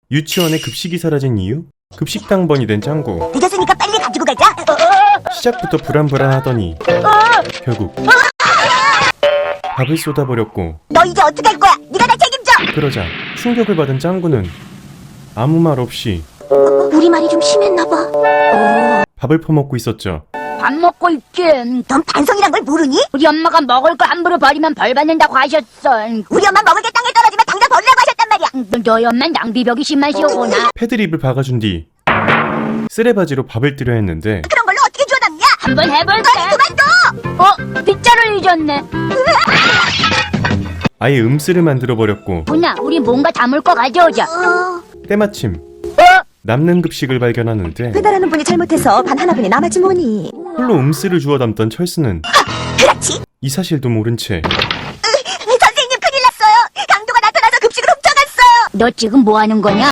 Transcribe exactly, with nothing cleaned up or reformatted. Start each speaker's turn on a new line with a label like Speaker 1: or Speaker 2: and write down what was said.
Speaker 1: 유치원에 급식이 사라진 이유? 급식당번이 된 짱구.
Speaker 2: 늦었으니까 빨리 가지고 가자.
Speaker 1: 시작부터 불안불안하더니 결국 밥을 쏟아버렸고,
Speaker 2: 너 이제 어떡할 거야? 네가 나 책임져.
Speaker 1: 그러자 충격을 받은 짱구는 아무 말 없이
Speaker 2: 우리 말이 좀 심했나 봐.
Speaker 1: 밥을 퍼먹고 있었죠.
Speaker 3: 밥 먹고 있지.
Speaker 2: 넌 반성이란 걸 모르니?
Speaker 3: 우리 엄마가 먹을 거 함부로 버리면 벌 받는다고 하셨어.
Speaker 2: 우리 엄마 먹을 게 땅에 떨어지면 당장 버리라고 하셨단 말이야.
Speaker 3: 너희 엄마는 낭비벽이 심하시오구나.
Speaker 1: 패드립을 박아준 뒤 쓰레바지로 밥을 뜨려 했는데
Speaker 2: 그런 걸로 어떻게 주워 담냐?
Speaker 3: 한번 해볼게.
Speaker 2: 그만둬.
Speaker 3: 어? 빗자루 잊었네.
Speaker 1: 아예 음쓰를 만들어버렸고,
Speaker 3: 누나, 우리 뭔가 담을 거 가져오자.
Speaker 2: 어...
Speaker 1: 때마침
Speaker 3: 어?
Speaker 1: 남는 급식을 발견하는데
Speaker 2: 배달하는 분이 잘못해서 반 하나분이 남았지 뭐니.
Speaker 1: 홀로 음쓰를 주워 담던 철수는
Speaker 2: 그렇지.
Speaker 1: 이 사실도 모른 채
Speaker 2: 선생님 큰일 났어요. 강도가 나타나서 급식을 훔쳐갔어요.
Speaker 3: 너 지금 뭐 하는 거냐?